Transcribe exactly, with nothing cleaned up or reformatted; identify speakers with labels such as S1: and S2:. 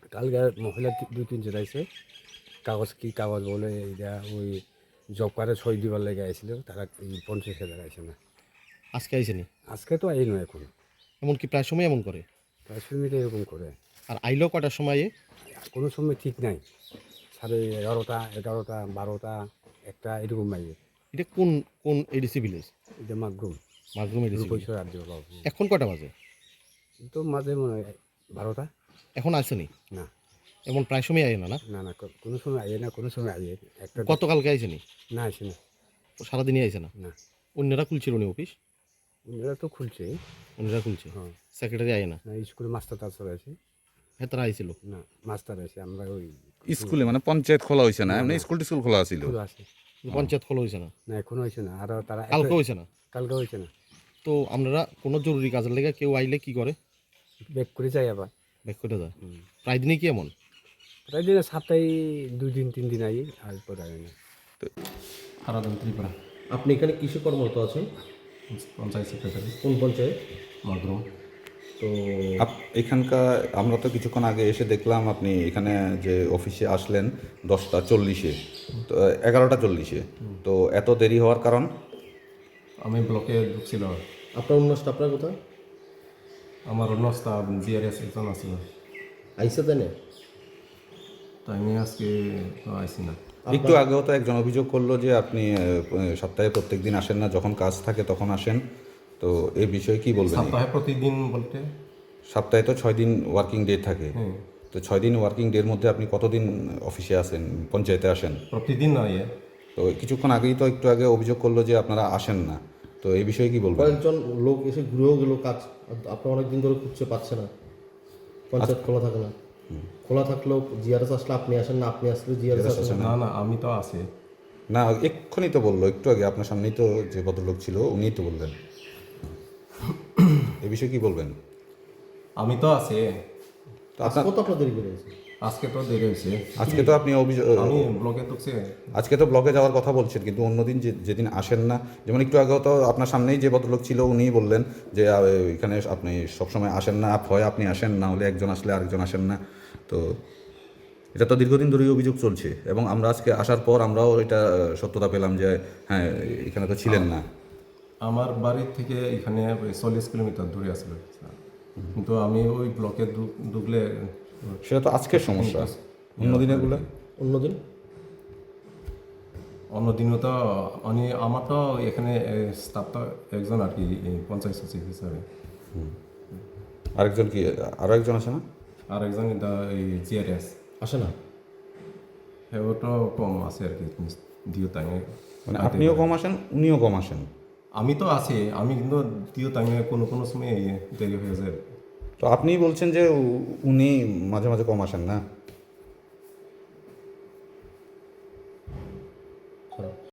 S1: কালকে মহিলা দুই তিনজন আইছে, কাগজ কি কাগজ বলে এইটা ওই জব কার্ডে সই দিবার লেগে আইছিল, তারা এই পঞ্চাশ হাজার আইছে না।
S2: আজকে আইসেনি?
S1: আজকে তো আই নয় এখন,
S2: এমনকি প্রায় সময় এমন করে।
S1: প্রায় সুবিধা এরকম করে।
S2: আর আইলো কটার সময়?
S1: কোনো সময় ঠিক নাই, সাড়ে এগারোটা এগারোটা বারোটা একটা এরকম মাইয়ে।
S2: এটা কোন কোন এডিসি ভিলেজ?
S1: এটা মাগরুম
S2: মাগরুম এডিসি ভিলেজ।
S1: রূপেশ্বর রাজ্য বাবু।
S2: এখন কটা বাজে?
S1: তো মাঝে মনে হয় বারোটা।
S2: এখন আসেনি?
S1: না
S2: এমন প্রায় সময় আয় না না?
S1: না না কো- কোনো সময় আইয়ে না, কোনো সময় আইয়ে একটা।
S2: গতকালকে আইসেনি?
S1: না আসে না।
S2: সারাদিনই আইসে না?
S1: না
S2: অন্যরা খুলছিল উনি অফিস?
S1: ওরা তো খুলছে।
S2: অন্যরা খুলছে,
S1: হ্যাঁ,
S2: সেক্রেটারি আয় না?
S1: না স্কুলে মাস্টার টাস্টার আছে।
S2: হ্যাঁ, তারা আইছিল।
S1: না মাস্টার আছে, আমরা ওই
S3: স্কুলে মানে পঞ্চায়েত খোলা হয়েছে না, এমনি স্কুল টিস্কুল খোলা ছিল।
S1: স্কুল আছে।
S2: পঞ্চায়েত খোলা হয়েছে না?
S1: না এখনো হয়েছে না, আর তারা
S2: কালকে হয়েছে না?
S1: কালকে হয়েছে না।
S2: তো আপনারা কোনো জরুরি কাজের লেগে কেউ আইলে কি করে?
S1: ব্যাক করে যাই আবার।
S2: ব্যাক করে দেয়? প্রায় দিনই কি এমন?
S1: প্রায় দিনে সপ্তাহে দুই দিন তিন দিন আই, আর পরে আই না।
S4: আরাধন ত্রিপুরা,
S2: আপনি এখানে কিসে কর্মরত আছেন?
S4: পঞ্চায়েত সেক্রেটারি,
S2: কোন পঞ্চায়েত?
S4: মাগরুম।
S2: তো
S3: আপ- এখানকার আমরা তো কিছুক্ষণ আগে এসে দেখলাম আপনি এখানে যে অফিসে আসলেন দশটা চল্লিশে, তো এগারোটা চল্লিশে, তো এত দেরি হওয়ার কারণ?
S4: আমি ব্লকে ঢুকছিল,
S2: আপনার অন্য স্টাফরা কোথায়?
S4: আমার অন্য স্টাফ জিআরএস একজন আছিল,
S2: আইসে দেনে?
S4: তাই আমি আজকে তো আইসি না।
S3: একটু আগেও তো একজন অভিযোগ করলো যে আপনি আহ, সপ্তাহে প্রত্যেক দিন আসেন না, যখন কাজ থাকে তখন আসেন। তো এই বিষয়ে কি বলবেন?
S4: সপ্তাহে প্রতিদিন বলতে
S3: সপ্তাহে তো ছয় দিন ওয়ার্কিং ডে থাকে,
S4: হ্যাঁ,
S3: তো ছয় দিন ওয়ার্কিং ডের মধ্যে আপনি কতদিন অফিসে আসেন, পঞ্চায়েতে আসেন?
S4: প্রতিদিন নয়। এ
S3: তো কিছুক্ষণ আগেই তো একটু আগে অভিযোগ করলো যে আপনারা আসেন না, তো এই বিষয়ে কি বলবেন?
S2: কয়েকজন লোক এসে ঘুরেও গেল কাজ, আপনার অনেক দিন ধরে খুঁজছে পাচ্ছে না, পঞ্চায়েত খোলা থাকে না। খোলা থাকলেও জিআরএস আসলে আপনি আসেন না, আপনি আসলে জিআরএস আসেন না।
S4: না না, আমি তো আছি।
S3: না এক্ষুনি তো বললো, একটু আগে আপনার সামনেই তো যে ভদ্রলোক ছিল উনিই তো বললেন। এই বিষয়ে কি বলবেন?
S4: আমি তো আছি,
S3: তো আপনার
S2: কত আপনার দেরি করে আছে?
S4: আজকে তো দেরি হয়েছে।
S3: আজকে তো আপনি অভিযোগ
S4: আমি ব্লকে ঢুকছি,
S3: আজকে তো ব্লকে যাওয়ার কথা বলছেন, কিন্তু অন্যদিন যে যেদিন আসেন না, যেমন একটু আগেও তো আপনার সামনেই যে ভদ্রলোক ছিল উনিই বললেন যে আহ, এখানে আপনি সবসময় আসেন না, হয় আপনি আসেন না হলে একজন আসলে আরেকজন আসেন না। তো এটা তো দীর্ঘদিন ধরেই অভিযোগ চলছে, এবং আমরা আজকে আসার পর আমরাও এটা আহ, সত্যতা পেলাম যে হ্যাঁ এখানে তো ছিলেন না।
S4: আমার বাড়ি থেকে এখানে চল্লিশ কিলোমিটার দূরে আসলে, কিন্তু আমি ওই ব্লকে ঢুক- ঢুকলে
S3: সেটা তো আজকের সমস্যা, অন্য দিনেরগুলো
S2: অন্যদিন
S4: অন্যদিনও তো আমি আমার তো এখানে স্টাফ তো একজন আর কি, এই পঞ্চায়েত সচিব হিসাবে,
S3: আরেকজন কি আরও একজন আছে না?
S4: আর একজন এই জিআরএস
S2: আসে না?
S4: ওটাও কম আছে আর কি দিও টাইমে।
S3: মানে আপনিও কম আসেন, উনিও কম আসেন।
S4: আমি তো আছি, আমি কিন্তু দিও টাইমে কোনো কোনো সময় দেরি হয়ে যায়।
S3: তো আপনিই বলছেন যে উ- উনি মাঝে মাঝে কম আসেন না।